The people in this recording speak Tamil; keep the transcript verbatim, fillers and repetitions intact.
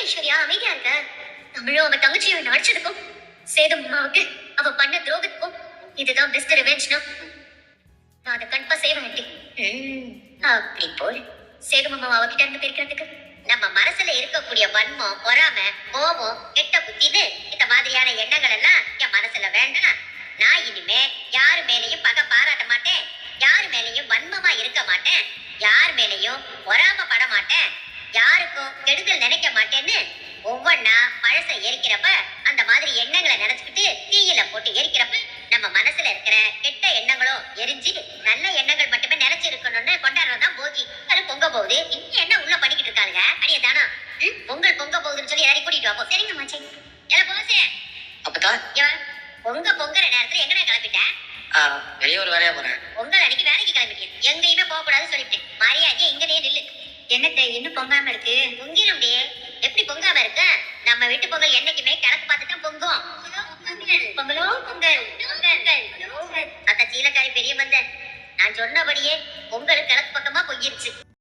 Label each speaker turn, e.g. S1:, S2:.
S1: ஐஸ்வர்யா அமைதியா இருக்க? தமிழும் அவ தங்கச்சியும் நடிச்சதுக்கும் சேது மாமாவுக்கு அவ பண்ண துரோகத்துக்கும் இதுதான் பெஸ்ட் ரிவெஞ்ச்னா நான் அதை கண்டிப்பா செய்வேன் ஆண்டி. அப்படி போல் சேது மாமா அவகிட்ட இருந்து பிரிக்கிறதுக்கு நம்ம மனசுல இருக்கக்கூடிய வன்மம், பொறாமை, கோபம், கெட்ட புத்தின்னு இந்த மாதிரியான எண்ணங்கள் எல்லாம் என் மனசுல வேண்டாம். நான் இனிமே யாரு மேலேயும் பகை பாராட்ட மாட்டேன், யாரு மேலேயும் வன்மமா இருக்க மாட்டேன், யார் மேலேயும் பொறாமப்பட மாட்டேன், யாருக்கும் கெடுதல் நினைக்க மாட்டேன்னு ஒவ்வொன்னா பழச எரிக்கிறப்ப அந்த மாதிரி எண்ணங்களை நினைச்சுக்கிட்டு தீயில போட்டு எரிக்கிறப்ப நம்ம மனசுல இருக்கிற கெட்ட எண்ணங்களும் எரிஞ்சு நல்ல எண்ணங்கள் மட்டுமே நினைச்சு இருக்கணும்னு கொண்டாடுறதுதான் போகி. அது பொங்க போகுது, இன்னும் என்ன உள்ள பண்ணிக்கிட்டு இருக்காங்க அடியே தானா? பொங்கல் பொங்க போகுதுன்னு சொல்லி எல்லாரையும் கூட்டிட்டு வாப்போ. சரிங்க மாச்சே. எல்லாம் போசே
S2: அப்பதான்
S1: பொங்க பொங்குற நேரத்துல எங்கடா கிளம்பிட்டேன்?
S2: வெளியே ஒரு வேலையா போறேன்.
S1: பொங்கல் அன்னைக்கு வேலைக்கு கிளம்பிட்டேன், எங்கேயுமே போக கூடாதுன்னு சொல்லிட்டேன். மரியாதையா இங்கனே நில்லு. என்னத்தை இன்னும் பொங்காம இருக்கு? பொங்கிடும். எப்படி பொங்காம இருக்கு? நம்ம வீட்டு பொங்கல் என்னைக்குமே கிழக்கு பார்த்து தான் பொங்கும். பொங்கலோ பொங்கல் பொங்கல் அத்த சீலக்காரி பெரிய மந்த நான் சொன்னபடியே பொங்கல் கிழக்கு பக்கமா பொங்கிருச்சு.